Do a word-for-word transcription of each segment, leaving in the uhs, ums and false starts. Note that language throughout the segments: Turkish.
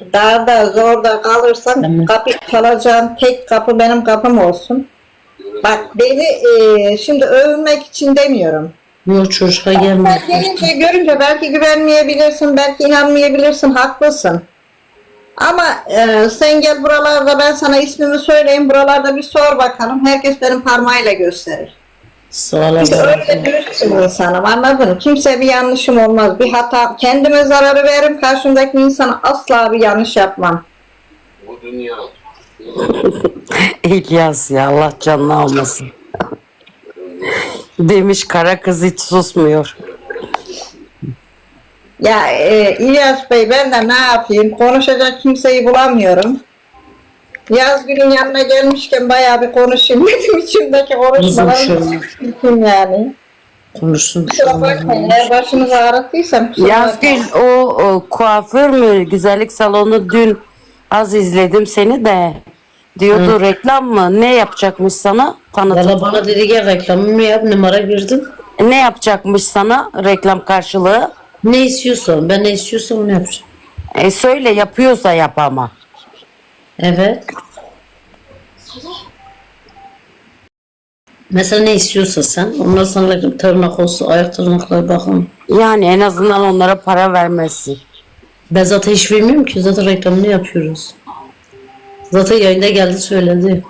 dağda zorda kalırsan Tamam. kapı çalacağın tek kapı benim kapım olsun. Bak beni e, şimdi övünmek için demiyorum. Yok çocuğa Sen gelmez. gelince görünce belki güvenmeyebilirsin, belki inanmayabilirsin, haklısın. Ama e, sen gel buralarda ben sana ismimi söyleyeyim, buralarda bir sor bakalım. Herkes benim parmağıyla gösterir. Sağ ol Çünkü abla. öyle dürüst bir insanım, anladın mı? Kimseye bir yanlışım olmaz, bir hata. Kendime zararı veririm, karşımdaki insana asla bir yanlış yapmam. Bu dünya İlyas ya Allah canını almasın. Demiş kara kız hiç susmuyor. Ya e, İlyas Bey ben de ne yapayım? Konuşacak kimseyi bulamıyorum. Yazgül'ün yanına gelmişken bayağı bir konuşayım dedim, içimdeki konuşmaları şöyle. çıktım yani. Konuşsun. Kusura bakmayın, eğer başınızı ağrıttıysam kusura bakmayın. Yazgül o, o kuaför mü güzellik salonu dün az izledim seni de. Diyordu reklam mı? Ne yapacakmış sana? Tanıtım. Valla bana dedi gel reklamımı yap, numara girdim. Ne yapacakmış sana reklam karşılığı? Ne istiyorsan, ben ne istiyorsam onu yapacağım. E söyle yapıyorsa yap ama. Evet. Mesela ne istiyorsa sen, ondan sonra tırnak olsun, ayak tırnakları bakın. Yani en azından onlara para vermezsin. Ben zaten hiç bilmiyorum ki, zaten reklamını yapıyoruz. Zaten yayında geldi söyledi.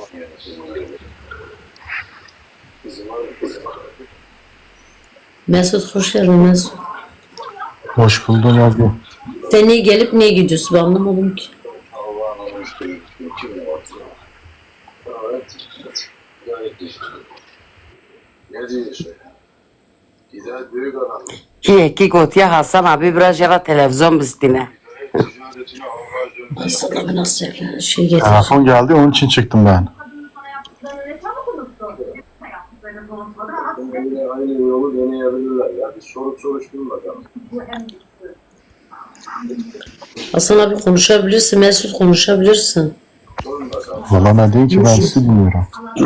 Mesut hoş geldin Mesut. Hoş buldum abi. Sen niye gelip niye gidiyorsun ben anlamadım ki. Allah'ın işte kim var? Evet. Gayet işte. Ne diyorsun? Gider büyük adam. Ki ki gotiya Hasan abi biraz yara televizyon bizdiğine. Ticaretine Allah'a Ben sana bir nasıl şey getir. Telefon geldi onun için çıktım ben. Yine aynı yolu deneyebilirler ya. Bir sorup soruşturun bakalım. Hasan abi konuşabilirsin, Mesut konuşabilirsin. Sorun bakalım. Valla ne diyeyim ki ben sizi dinliyorum.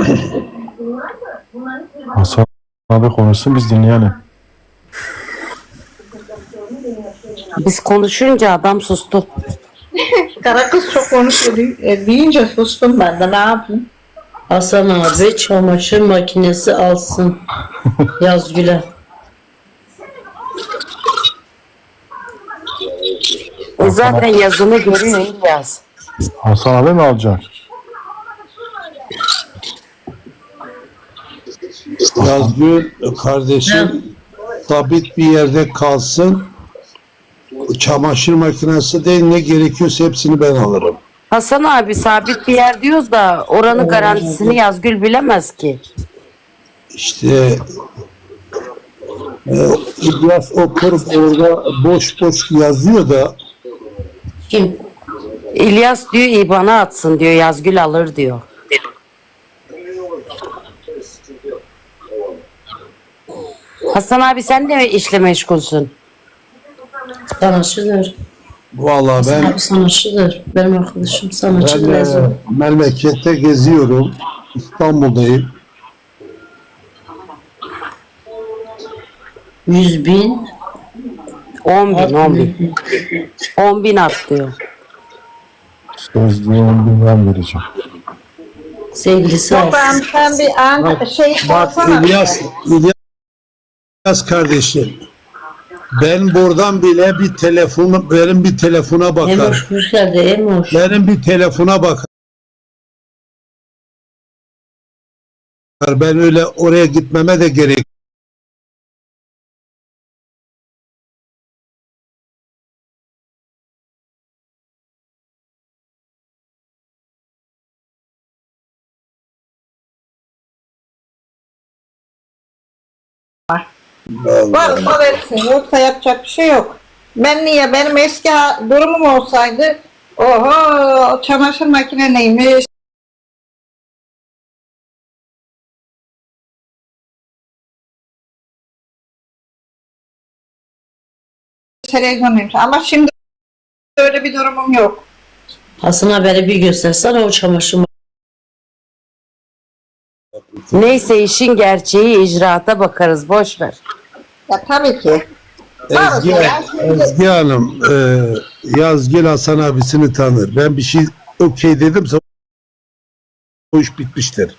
Hasan abi konuşsun biz dinleyelim. Biz konuşunca adam sustu. Kara kız çok konuşuyor. E, büyüyünce sustum ben de, ne yapayım? Hasan abi çamaşır makinesi alsın. Yazgül'e. E zaten yazını görüyor İlyas. Hasan abi mi alacak? Yazgül kardeşim sabit bir yerde kalsın. Çamaşır makinesi değil, ne gerekiyorsa hepsini ben alırım. Hasan abi sabit bir yer diyoruz da oranın garantisini Yazgül bilemez ki. İşte e, İlyas oturup orada boş boş yazıyor da Kim? İlyas diyor İBAN'a atsın diyor, Yazgül alır diyor. Hasan abi sen de mi işle meşgulsün? Sanatçıdır. vallahi Hasan ben abi sanatçıdır. Benim arkadaşım ben sanatçı e, Mesut. memlekette geziyorum. İstanbul'dayım. Yüz bin. on bin, on bin. on bin at diyor. Sözlüğüm bilmem vereceğim. Sevgilisi Yok alsın. ben sen bir an şey Bak sorsana. İlyas, İlyas kardeşim. Ben buradan bile bir telefon, benim bir telefona bakar. Emoş hoş geldi Emoş. Benim bir telefona bakar. Ben öyle oraya gitmeme de gerek. Varsa versin, yoksa yapacak bir şey yok. Ben niye, benim eski ha- durumum olsaydı, oho çamaşır makine neymiş, televizyon neymiş, ama şimdi öyle bir durumum yok. Hasan haberi bir göstersene o çamaşır Neyse işin gerçeği icraata bakarız, boş ver. Ya tabii ki. Ezgi, Ezgi Hanım, e, Yazgül Hasan abisini tanır. Ben bir şey okey dedimse o iş bitmiştir.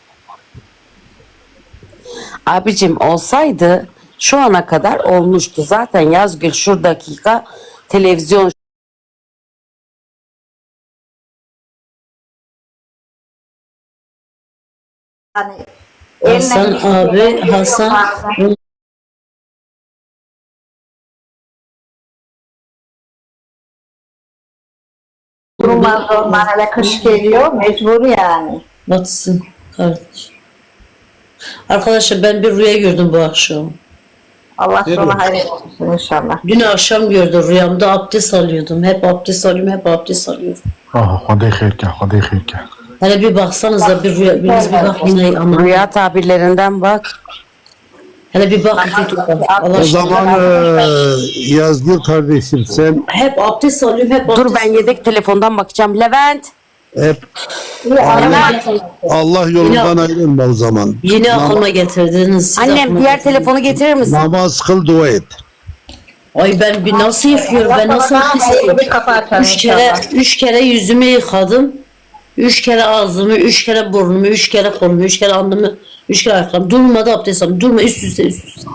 Abicim olsaydı şu ana kadar olmuştu. Zaten Yazgül şu dakika televizyon Hani Hasan eline- abi, Hasan Durmaz onlar, hele kış geliyor mecbur yani. batsın kardeş. Arkadaşlar ben bir rüya gördüm bu akşam. Allah Evet. sana hayır olsun inşallah. Dün akşam gördüm rüyamda abdest alıyordum. Hep abdest alıyorum, hep abdest alıyorum. Ah, hadi xeyrkə, hadi xeyrkə. Hele bir baksanıza bir rüya, biriniz bir bak yine ama. rüya tabirlerinden bak. Hele bir bak YouTube'da. Allah O aşkına. zaman e, Yazgül kardeşim sen Hep abdest alıyorum, hep abdest Dur ben yedek telefondan bakacağım. Levent. hep Levent, Allah yolundan ayrılma o zaman. yeni aklıma getirdiniz. siz Annem aklıma diğer getirdiniz. telefonu getirir misin? Namaz kıl, dua et. Ay ben bir nasıl yıkıyorum, ben nasıl Hayırlı bir yıkıyorum? kapı açar Üç kere, inşallah. üç kere yüzümü yıkadım. Üç kere ağzımı, üç kere burnumu, üç kere kolumu, üç kere alnımı, üç kere ayaklarımı. Durmadı abdest aldım. Durma üst üste üst üste.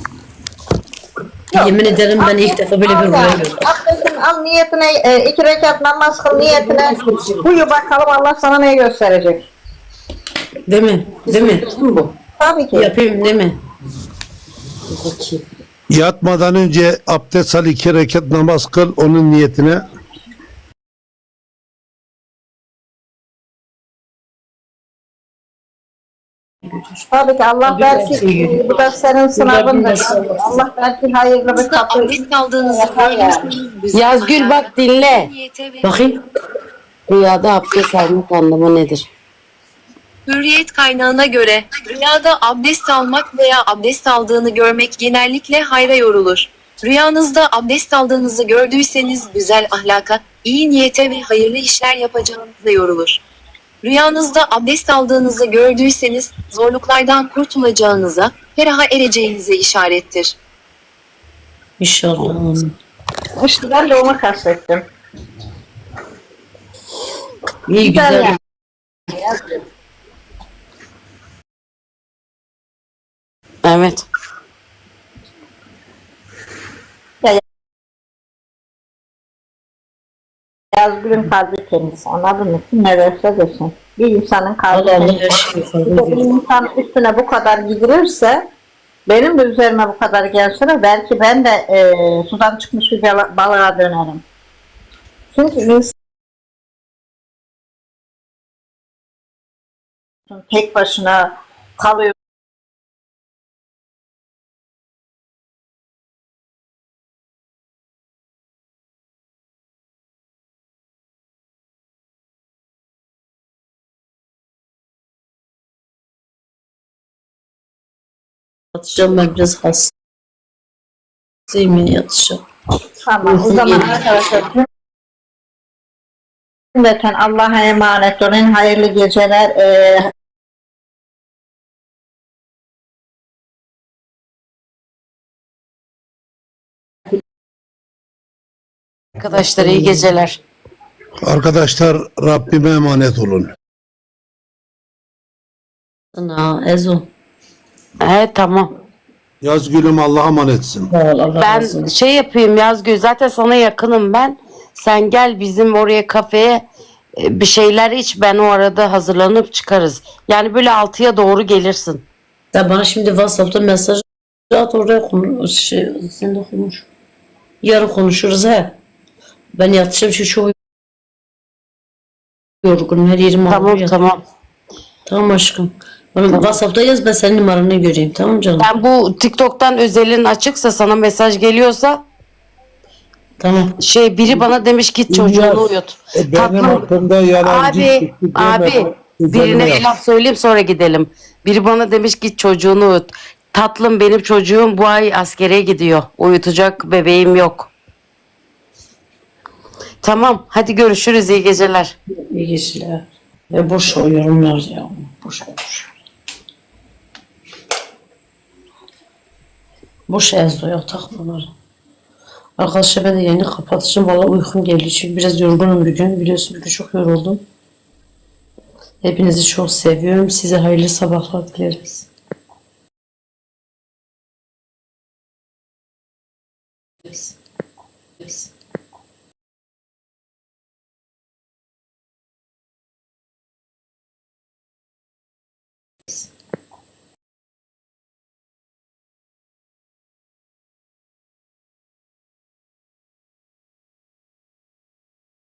Yemin ederim ben ilk defa böyle bir rüya gördüm. Abdestin al niyetine, e, iki rekat namaz kıl niyetine. Uyu bakalım Allah sana ne gösterecek. Değil mi? Değil mi? Bu. Tabii ki. Yapayım değil mi? Yatmadan önce abdest al, iki rekat namaz kıl onun niyetine. Tabii ki Allah Tabii belki ki. bu da senin sınavındır. Tabii. Allah belki hayırlı bir Aslında kapı abdest aldığınızı yapar yani. görmüşsünüz. Yazgül bak dinle. Bakayım. Rüyada abdest almak anlamı nedir? Hürriyet kaynağına göre rüyada abdest almak veya abdest aldığını görmek genellikle hayra yorulur. Rüyanızda abdest aldığınızı gördüyseniz güzel ahlaka, iyi niyete ve hayırlı işler yapacağınıza yorulur. Rüyanızda abdest aldığınızı gördüyseniz zorluklardan kurtulacağınıza, feraha ereceğinize işarettir. İnşallah. İşte ben de onu kastettim. İyi Güzel güzel. yani. Evet. Yazgül'ün kalbi temiz. Anladın mı? Kim ne derse desin. Bir insanın kalbi Allah Allah temiz. her şeyi Bir fark de bir ediyor. insan üstüne bu kadar gidilirse, benim de üzerime bu kadar gelse belki ben de e, sudan çıkmış bir bala- balığa dönerim. Çünkü insan tek başına kalıyor. Yatacağım ben biraz hastayım ya yatacağım. Tamam. O zaman arkadaşlar cümleten Allah'a emanet olun. Hayırlı geceler. E, Arkadaşlar iyi geceler. Arkadaşlar Rabbime emanet olun. Ana Ezo. Evet tamam. Yazgül'üm Allah'a emanetsin. Sağ ol, Allah razı Ben olsun. şey yapayım Yazgül zaten sana yakınım ben. Sen gel bizim oraya kafeye e, bir şeyler iç ben o arada hazırlanıp çıkarız. Yani böyle altıya doğru gelirsin. Sen bana şimdi WhatsApp'ta mesaj at oraya konuş. Şey, sen de konuş. Yarın konuşuruz he. Ben yatacağım çünkü çok yorgunum. Her yerim Tamam ağrıyor. tamam. Tamam aşkım. Bana WhatsApp'ta yaz ben senin numaranı göreyim. Tamam canım. Ben bu TikTok'tan özelin açıksa sana mesaj geliyorsa Tamam. şey biri bana demiş git çocuğunu uyut. E, benim Tatlım. hakkımda yalancı Abi çıktı deme, abi üzerine birine yap. bir laf söyleyeyim sonra gidelim. Biri bana demiş git çocuğunu uyut. Tatlım benim çocuğum bu ay askere gidiyor. Uyutacak bebeğim yok. Tamam hadi görüşürüz iyi geceler. İyi geceler. Ya boş o yorumlar ya. Boş boş. Boş Ezo'ya takmaları. Arkadaşlar ben de yayını kapatacağım. Valla uykum geldi çünkü biraz yorgunum bugün. Biliyorsunuz bugün çok yoruldum. Hepinizi çok seviyorum. Size hayırlı sabahlar dileriz. Yes. Yes.